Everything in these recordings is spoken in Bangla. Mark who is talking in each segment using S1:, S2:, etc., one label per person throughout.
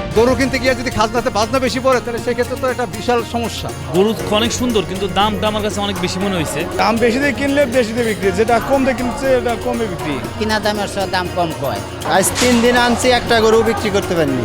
S1: গরু কিনতে গিয়ে যদি খাজনাতে বাজনা বেশি পড়ে তাহলে সেক্ষেত্রে তো এটা বিশাল সমস্যা।
S2: গরু অনেক সুন্দর কিন্তু দামটা আমার কাছে অনেক বেশি মনে হয়েছে।
S3: দাম বেশি দিয়ে কিনলে বেশি দিয়ে বিক্রি, যেটা কম দিয়ে কিনছে এটা কমে বিক্রি।
S4: কিনা দামের সব দাম কম কয়। আজ 3 দিন আনছি, একটা গরু বিক্রি করতে পারিনি।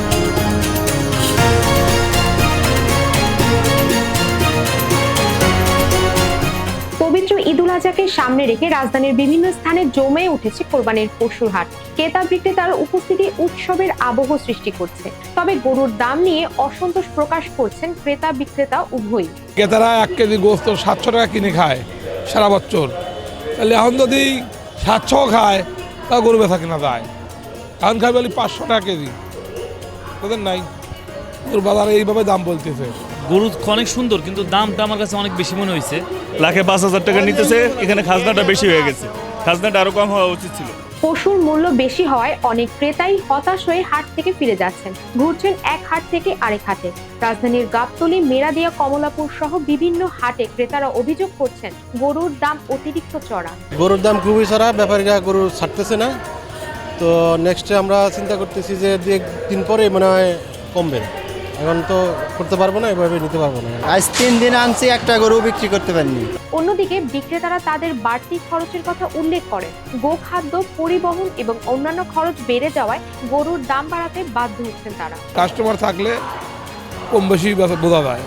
S5: পবিত্র ঈদুল আজহাকে সামনে রেখে রাজধানীর বিভিন্ন স্থানে জমে উঠেছে কোরবানির পশুর হাট। ক্রেতা বিক্রেতার উপস্থিতি উৎসবের আবহ সৃষ্টি করছে। তবে গরুর দাম নিয়ে অসন্তোষ প্রকাশ করছেন ক্রেতা বিক্রেতা উভয়ই।
S6: ক্রেতারা 1 কেজি গোস্ত 700 টাকা কিনে খায় সারা বছর, তাহলে এখন যদি 700 খায় তা গরু বেচা কিনা যায়। এখন খাই বলি 500 টাকা কেজি, তাদের নাই। গরুর বাজারে এইভাবে দাম বলতেছে।
S2: গরু অনেক সুন্দর কিন্তু দামটা আমার কাছে অনেক বেশি মনে হয়েছে।
S7: 1,05,000 টাকা নিতেছে, এখানে খাজনাটা বেশি হয়ে গেছে। খাজনাটা আরো কম হওয়া উচিত ছিল।
S5: পশুর মূল্য বেশি হওয়ায় অনেক ক্রেতাই হতাশ হয়ে হাট থেকে ফিরে যাচ্ছেন, ঘুরছেন এক হাট থেকে আরেক হাটে। রাজধানীর গাবতলী, মেরাদিয়া, কমলাপুর সহ বিভিন্ন হাটে ক্রেতারা অভিযোগ করছেন গরুর দাম অতিরিক্ত চড়া।
S8: গরুর দাম খুবই চড়া, ব্যাপারীরা গরু ছাড়তেছে না। তো নেক্সটে আমরা চিন্তা করতেছি যে 2 দিন পরে মনে হয় কমবে। এখন তো করতে পারবো না, এভাবে নিতে পারবো না।
S4: আজ 3 দিন আনছি, একটা গরু বিক্রি করতে পারিনি।
S5: অন্যদিকে বিক্রেতারা তাদের বাড়তি খরচের কথা উল্লেখ করেন। গোখাদ্য, পরিবহন এবং অন্যান্য খরচ বেড়ে যাওয়ায় গরুর দাম বাড়াতে বাধ্য হচ্ছেন তারা।
S6: কাস্টমার থাকলে কম বেশি বোঝা যায়,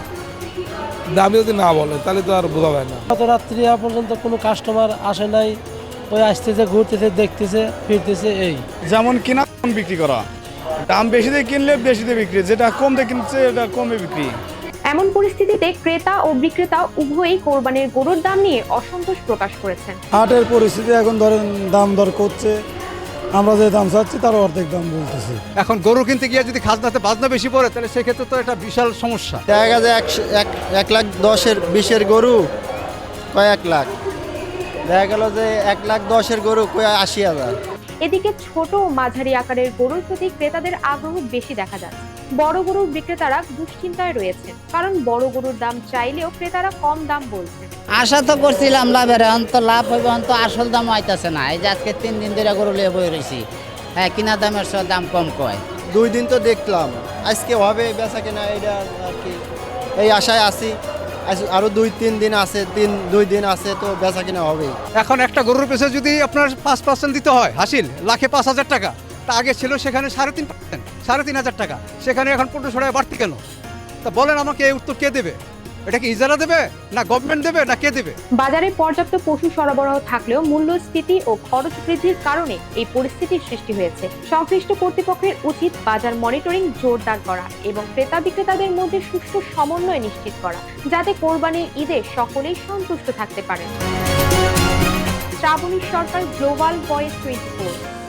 S6: দামি যদি না বলে তাহলে তো আর বোঝা যায় না।
S9: গত রাত্রি পর্যন্ত কোনো কাস্টমার আসে নাই, ওই আসতেছে, ঘুরতেছে, দেখতেছে, ফিরতেছে। এই
S3: যেমন কিনা তেমন বিক্রি করা, দাম বেশি দিয়ে কিনলে বেশি দিয়ে বিক্রি, যেটা কম দিয়ে কিনছে এটা কমে বিক্রি।
S5: এমন পরিস্থিতিতে ক্রেতা ও বিক্রেতা উভয়ই কোরবানির গরুর দাম নিয়ে অসন্তোষ প্রকাশ করেছেন।
S10: হাটের পরিস্থিতি এখন ধরেন দাম দর করছে, আমরা যে দাম চাচ্ছি তার অর্ধেক দাম বলতেছি।
S1: এখন গরু কিনতে গিয়ে যদি খাজনাতে বাজনা বেশি পড়ে তাহলে সেক্ষেত্রে তো এটা বিশাল সমস্যা।
S4: দেখা গেছে 1,10,000 20-এর গরু কয় 1 লাখ, দেখা গেল যে 1,10,000-এর গরু কয় 80,000।
S5: এদিকে ছোট ও মাঝারি আকারের গরুর প্রতি ক্রেতাদের আগ্রহ বেশি দেখা যাচ্ছে। বড় গরুর বিক্রেতারা দুশ্চিন্তায় রয়েছেন, কারণ বড় গরুর দাম চাইলেও ক্রেতারা কম দাম বলছেন।
S4: আশা তো করছিলাম লাভের, এখন তো লাভ হইবে, এখন তো আসল দাম হইতাছে না। এই যে আজকে 3 দিন ধরে গরু লিয়ে বই রয়েছি, হ্যাঁ কিনা দামের সব দাম কম কয়। 2 দিন তো দেখলাম, আজকে হবে বেচা কিনা, এটা আর কি এই আশায় আছি। আরো 2-3 দিন আছে, 2 দিন আছে, তো বেচা কিনা হবেই।
S1: এখন একটা গরুর পেছনে যদি আপনার 5% দিতে হয় হাসিল, লাখে 5,000 টাকা, তা আগে ছিল সেখানে 3.5%, 3,500 টাকা, সেখানে এখন 1500 টাকা বাড়তি কেন? তা বলেন আমাকে, এই উত্তর কে দেবে? এটা কি ইজারা দেবে, না গভর্নমেন্ট দেবে, না কে দেবে?
S5: বাজারে পর্যাপ্ত পশু সরবরাহ থাকলেও মূল্যস্ফীতি ও খরচ বৃদ্ধির কারণে এই পরিস্থিতির সৃষ্টি হয়েছে। সংশ্লিষ্ট কর্তৃপক্ষের উচিত বাজার মনিটরিং জোরদার করা এবং ক্রেতা বিক্রেতাদের মধ্যে সুষ্ঠু সমন্বয় নিশ্চিত করা, যাতে কোরবানির ঈদে সকলেই সন্তুষ্ট থাকতে পারেন। Shrabani Sarkar, global voice 24।